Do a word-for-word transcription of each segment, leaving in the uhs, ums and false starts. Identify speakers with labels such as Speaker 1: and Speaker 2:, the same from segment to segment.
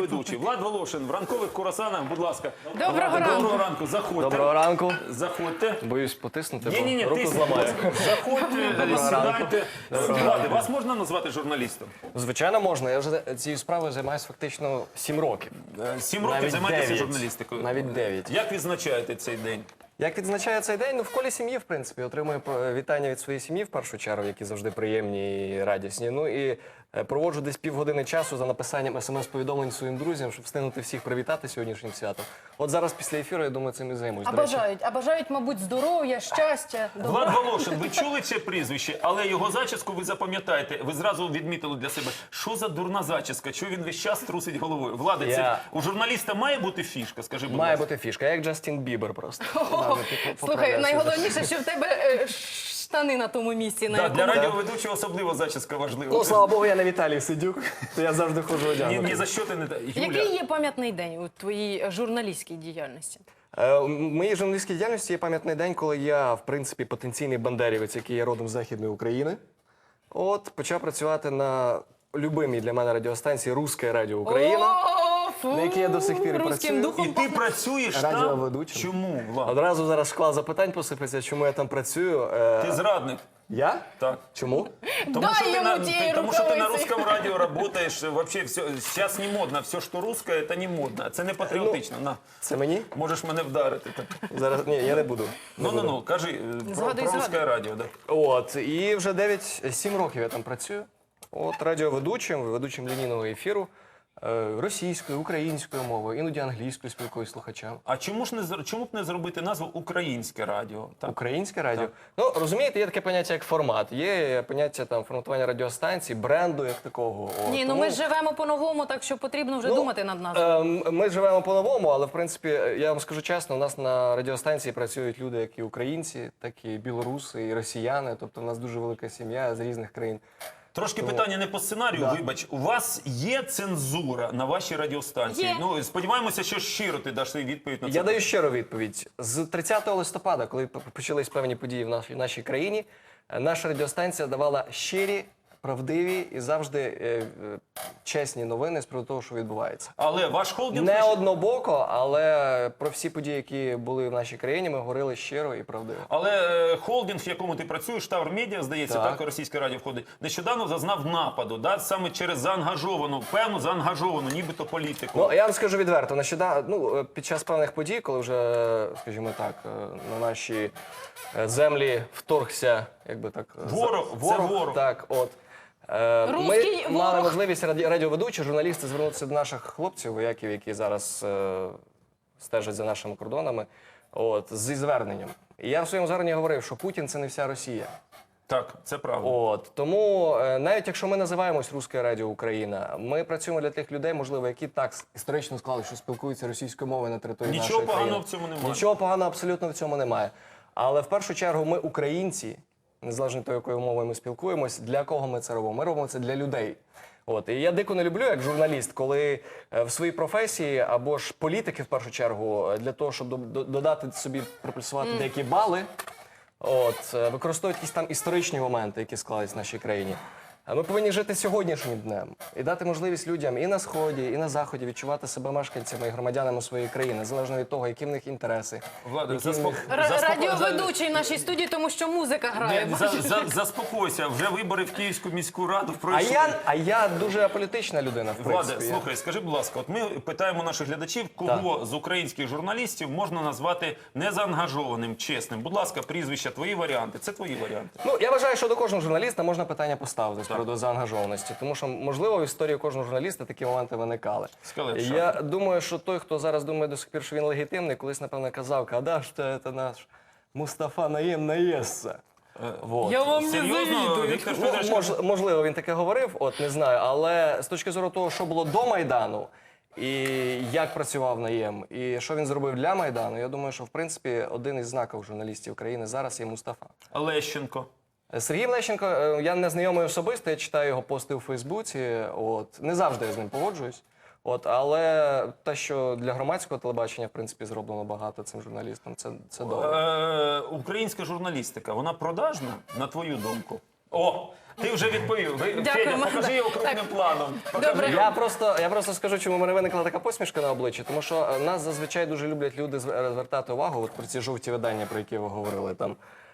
Speaker 1: радіоведучий. Влад Волошин в ранкових курасанах, будь ласка.
Speaker 2: Доброго
Speaker 1: Влада,
Speaker 2: ранку.
Speaker 1: Доброго ранку, заходьте.
Speaker 3: Доброго ранку.
Speaker 1: Заходьте.
Speaker 3: Боюсь потиснути,
Speaker 1: Ні, ні, ні,
Speaker 3: бо руку
Speaker 1: тисніть,
Speaker 3: зламаю.
Speaker 1: будь ласка. Заходьте, сідайте. Влади, вас можна назвати журналістом?
Speaker 3: Звичайно, можна. Я вже цією справою займаюся фактично сім років.
Speaker 1: Сім років
Speaker 3: Навіть
Speaker 1: займаєтеся
Speaker 3: дев'ять.
Speaker 1: журналістикою.
Speaker 3: Навіть дев'ять.
Speaker 1: Як відзначаєте цей день?
Speaker 3: Як відзначає цей день? Ну, в колі сім'ї, в принципі. Отримую е, вітання від своєї сім'ї, в першу чергу, які завжди приємні і радісні. Ну і е, проводжу десь півгодини часу за написанням смс-повідомлень своїм друзям, щоб встигнути всіх привітати сьогоднішнім святом. От зараз після ефіру, я думаю, цим і займусь.
Speaker 2: А
Speaker 3: До речі,
Speaker 2: бажають, а бажають, мабуть, здоров'я, щастя, добра.
Speaker 1: Влад Волошин, ви чули це прізвище, але його зачіску ви запам'ятаєте. Ви зразу відмітили для себе, що за дурна зачіска, чого він весь час трусить головою. Влади, це
Speaker 3: Я-
Speaker 1: у журналіста має бути фішка, скажи, будь
Speaker 3: має
Speaker 1: ласка.
Speaker 3: бути фішка, як Джастін Бібер просто.
Speaker 2: Слухай, найголовніше, що в тебе е, штани на тому місці, на
Speaker 1: Да,
Speaker 2: якому...
Speaker 1: для радіоведучого особливо зачіска важлива.
Speaker 3: Ну, слава Богу, я не Віталій Сидюк, то я завжди ходжу
Speaker 1: ні,
Speaker 3: одягнутий.
Speaker 1: ні за що ти не... та- Юля,
Speaker 2: Який є пам'ятний день у твоїй журналістській діяльності?
Speaker 3: Е, У моїй журналістській діяльності є пам'ятний день, коли я, в принципі, потенційний бандерівець, який є родом з Західної України. От, почав працювати на любимій для мене радіостанції «Русське Радіо Україна».
Speaker 2: О, фу,
Speaker 3: на якій я до сих пір і
Speaker 2: руським
Speaker 3: працюю.
Speaker 2: духом
Speaker 1: І ти
Speaker 2: пахне.
Speaker 1: працюєш там?
Speaker 3: Радіоведучим.
Speaker 1: Чому, Влад?
Speaker 3: Одразу зараз шквал запитань посипеться, чому я там працюю. Е,
Speaker 1: Ти зрадник.
Speaker 3: Я?
Speaker 1: Так.
Speaker 3: Чому?
Speaker 1: Тому
Speaker 2: Дай
Speaker 1: що, ти
Speaker 2: йому
Speaker 1: на,
Speaker 2: тієї
Speaker 1: ти, тому що ти на
Speaker 2: рукавиці.
Speaker 1: русском радио работаешь, вообще все, сейчас не модно, все, що русское, це не модно, це не патріотично. На,
Speaker 3: Це мені?
Speaker 1: можеш мене вдарити. Так.
Speaker 3: Зараз, ні, я не буду. Не
Speaker 1: Ну, ну,
Speaker 3: буду.
Speaker 1: ну, кажи, е, про,
Speaker 2: Згадуй,
Speaker 1: про русское
Speaker 2: згадуй.
Speaker 1: радіо, да.
Speaker 3: От, і вже дев'ять-сім років я там працюю. От, радіоведучим, ведучим лінійного ефіру. е, Російською, українською мовою, іноді англійською спілкуюсь з слухачами.
Speaker 1: А чому ж не зр- чому б не зробити назву українське радіо? Так.
Speaker 3: Українське радіо. Ну, розумієте, є таке поняття, як формат. Є поняття там форматування радіостанцій, бренду як такого. От.
Speaker 2: Ні, ну
Speaker 3: Тому,
Speaker 2: ми ж живемо по-новому, так що потрібно вже
Speaker 3: ну,
Speaker 2: думати над назвою.
Speaker 3: ем, Ми живемо по-новому, але, в принципі, я вам скажу чесно, у нас на радіостанції працюють люди, як і українці, так і білоруси, і росіяни. Тобто, у нас дуже велика сім'я з різних країн.
Speaker 1: Трошки питання не по сценарію,
Speaker 3: Да.
Speaker 1: вибач. У вас є цензура на вашій радіостанції?
Speaker 2: Є.
Speaker 1: Ну, сподіваємося, що щиро ти даш свою відповідь на це.
Speaker 3: Я даю щиру відповідь. З тридцятого листопада, коли п- почались певні події в нашій, нашій країні, е, наша радіостанція давала щирі, правдиві і завжди е, е, чесні новини з приводу того, що відбувається.
Speaker 1: Але ваш холдинг...
Speaker 3: Не однобоко, але про всі події, які були в нашій країні, ми говорили щиро і правдиво.
Speaker 1: Але е, холдинг, в якому ти працюєш, Тавр Медіа, здається, так,
Speaker 3: Так.
Speaker 1: російське радіо входить, нещодавно зазнав нападу, да, саме через заангажовану, певну заангажовану, нібито політику.
Speaker 3: Ну, я вам скажу відверто, нещодавно, ну, е, під час певних подій, коли вже, скажімо так, е, на наші е, землі вторгся, якби так... е,
Speaker 1: Ворог,
Speaker 3: за-
Speaker 1: це ворог.
Speaker 3: Так, от. Е,
Speaker 2: Руський
Speaker 3: Ми мали
Speaker 2: ворог.
Speaker 3: можливість раді- радіоведучі, журналісти звернутися до наших хлопців, вояків, які зараз е, стежать за нашими кордонами, от, зі зверненням. І я в своєму зверненні говорив, що Путін – це не вся Росія.
Speaker 1: Так, це правда.
Speaker 3: От тому е, навіть якщо ми називаємось Русське Радіо Україна, ми працюємо для тих людей, можливо, які так історично склали, що спілкуються російською мовою на території
Speaker 1: Нічого
Speaker 3: нашої
Speaker 1: поганого
Speaker 3: країни.
Speaker 1: в цьому немає.
Speaker 3: Нічого поганого абсолютно в цьому немає. Але в першу чергу ми українці, незалежно від того, якою мовою ми спілкуємось, для кого ми це робимо? Ми робимо це для людей. От і я дико не люблю, як журналіст, коли е, в своїй професії або ж політики, в першу чергу, е, для того, щоб до- до- додати собі приплюсувати деякі бали. От, е, використовують якісь там історичні моменти, які склались в нашій країні. А ми повинні жити сьогоднішнім днем і дати можливість людям і на Сході, і на Заході відчувати себе мешканцями і громадянами своєї країни, незалежно від того, які в них інтереси.
Speaker 1: Влади,
Speaker 3: які в
Speaker 1: заспок-
Speaker 3: них-
Speaker 2: Р-
Speaker 1: заспоко-
Speaker 2: Радіоведучий в нашій студії, тому що музика грає.
Speaker 1: Ні, за, за, заспокойся, вже вибори в Київську міську раду
Speaker 3: А
Speaker 1: пройшли.
Speaker 3: я, а я дуже аполітична людина, в
Speaker 1: Владе,
Speaker 3: принципі.
Speaker 1: слухай, скажи, будь ласка, от ми питаємо наших глядачів, кого з українських журналістів можна назвати незаангажованим, чесним. Будь ласка, прізвища, твої варіанти. Це твої варіанти.
Speaker 3: Ну, я вважаю, що до кожного журналіста можна питання поставити з приводу заангажованості, тому що, можливо, в історії кожного журналіста такі моменти виникали.
Speaker 1: Скалет,
Speaker 3: Я думаю, що той, хто зараз думає до сих пір, що він легітимний, колись, напевно, казав, «Када ж це наш Мустафа Наєм наєсться». Вот.
Speaker 2: Я вам не
Speaker 1: Серйозно,
Speaker 2: завідую.
Speaker 1: Віктор
Speaker 3: Ну,
Speaker 1: Федорович,
Speaker 3: мож, можливо, він таке говорив, от не знаю, але з точки зору того, що було до Майдану, і як працював Наєм, і що він зробив для Майдану, я думаю, що в принципі один із знаків журналістів країни зараз є Мустафа.
Speaker 1: Лещенко.
Speaker 3: Сергій Лещенко, е, я не знайомий особисто, я читаю його пости у Фейсбуці. От не завжди я з ним погоджуюсь. От, але те, що для громадського телебачення, в принципі, зроблено багато цим журналістам, це, це добре.
Speaker 1: Е, українська журналістика, вона продажна, на твою думку? О, Ти вже відповів. Ви, Федя,
Speaker 2: Дякуємо.
Speaker 1: покажи його крупним
Speaker 2: Так.
Speaker 1: планом. Покажи
Speaker 2: Добре.
Speaker 1: його.
Speaker 3: Я просто, я просто скажу, чому в мене виникла така посмішка на обличчі, тому що е, нас зазвичай дуже люблять люди зв- звертати увагу от про ці жовті видання, про які ви говорили там.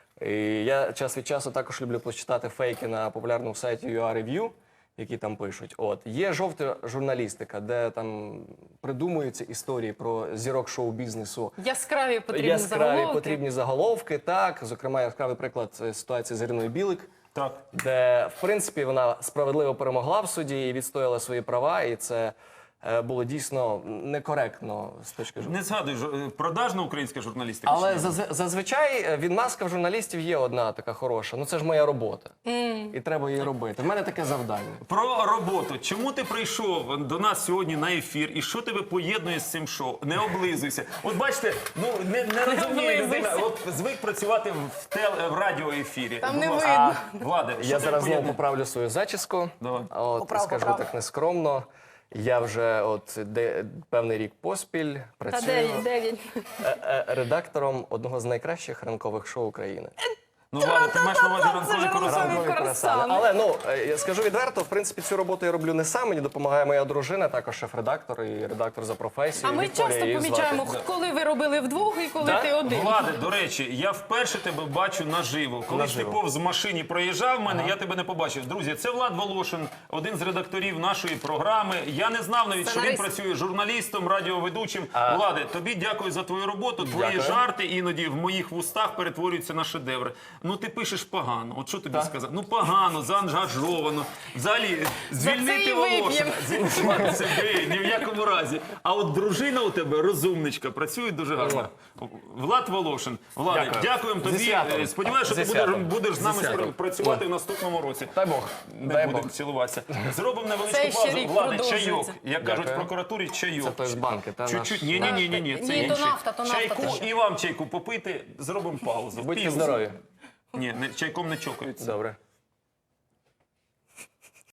Speaker 3: І я час від часу також люблю почитати фейки на популярному сайті ю ар Review, які там пишуть. От є жовта журналістика, де там придумуються історії про зірок шоу-бізнесу.
Speaker 2: Яскраві потрібні
Speaker 3: Яскраві
Speaker 2: заголовки.
Speaker 3: потрібні заголовки, так. Зокрема, яскравий приклад е, ситуації з Іриною Білик,
Speaker 1: Так.
Speaker 3: де, в принципі, вона справедливо перемогла в суді і відстояла свої права, і це е, було дійсно некоректно з точки зору.
Speaker 1: Не згадуй, жо- продажна українська журналістика.
Speaker 3: Але
Speaker 1: чи ні?
Speaker 3: зазв- зазвичай е, відмазка в журналістів є одна така хороша. Ну це ж моя робота. І треба її робити. В мене таке завдання.
Speaker 1: Про роботу. Чому ти прийшов до нас сьогодні на ефір і що тебе поєднує з цим шоу? Не облизуйся. От бачите, ну не, не розуміє людина.
Speaker 2: облизуйся.
Speaker 1: От звик працювати в тел в радіоефірі.
Speaker 2: Там
Speaker 1: Будь
Speaker 2: не
Speaker 1: ласка.
Speaker 2: видно.
Speaker 1: Владе, що
Speaker 3: Я
Speaker 1: тебе
Speaker 3: зараз знову
Speaker 1: поєднує?
Speaker 3: поправлю свою зачіску.
Speaker 1: Давай.
Speaker 3: От,
Speaker 2: Поправ,
Speaker 3: скажу
Speaker 2: поправ.
Speaker 3: так нескромно. Я вже от де, певний рік поспіль
Speaker 2: Та
Speaker 3: працюю
Speaker 2: дев'ять, дев'ять.
Speaker 3: е, е, редактором одного з найкращих ранкових шоу України.
Speaker 1: Ну, Владе, ти маєш на увазі ранкові
Speaker 2: ж
Speaker 1: круасани.
Speaker 2: ранкові
Speaker 3: Ранкові
Speaker 2: круасани.
Speaker 3: круасани. Але ну е, я скажу відверто, в принципі, цю роботу я роблю не сам. Мені допомагає моя дружина, також шеф-редактор і редактор за професією.
Speaker 2: А ми
Speaker 3: Вікторія
Speaker 2: часто
Speaker 3: її звати.
Speaker 2: помічаємо, коли ви робили вдвох і коли
Speaker 3: Да?
Speaker 2: ти один.
Speaker 1: Владе, до речі, я вперше тебе бачу наживо. Коли ж ти
Speaker 3: Наживо.
Speaker 1: повз машині проїжджав в мене, я тебе не побачив. Друзі, це Влад Волошин, один з редакторів нашої програми. Я не знав навіть, що він
Speaker 2: Сценарист.
Speaker 1: працює журналістом, радіоведучим. Владе, тобі дякую за твою роботу. Твої
Speaker 3: Дякую.
Speaker 1: жарти іноді в моїх вустах перетворюються на шедеври. Ну ти пишеш погано. От що тобі сказати? Ну погано, заангажовано. Взагалі, звільнити
Speaker 2: і
Speaker 1: Волошина. Звільнити себе ні в якому разі. А от дружина у тебе розумничка, працює дуже гарно. Влад Волошин. Владе,
Speaker 3: Дякую.
Speaker 1: дякуємо
Speaker 3: Зі
Speaker 1: тобі.
Speaker 3: святом.
Speaker 1: Е, Сподіваюся, що
Speaker 3: Зі
Speaker 1: ти будеш,
Speaker 3: святом.
Speaker 1: будеш з
Speaker 3: Зі
Speaker 1: нами
Speaker 3: святом.
Speaker 1: спра- працювати в наступному році.
Speaker 3: Дай Бог.
Speaker 1: Не
Speaker 3: Дай
Speaker 1: будемо
Speaker 3: Бог.
Speaker 1: цілуватися. Зробимо невеличку
Speaker 2: Цей ще
Speaker 1: паузу.
Speaker 2: рік
Speaker 1: Владе,
Speaker 2: продовжується.
Speaker 1: чайок. Як кажуть в
Speaker 3: Дякую.
Speaker 1: прокуратурі, чайок.
Speaker 3: Це той з банки, та
Speaker 1: Чуть-чуть.
Speaker 3: наш.
Speaker 1: Ні, ні, ні, ні, ні. Це
Speaker 2: Ні, то
Speaker 1: інший.
Speaker 2: нафта, то нафта
Speaker 1: Чайку
Speaker 2: теж.
Speaker 1: і вам чайку попити. Зробимо паузу.
Speaker 3: Будьте
Speaker 1: Пів.
Speaker 3: здорові.
Speaker 1: Ні, не, чайком не чокаються.
Speaker 3: Добре.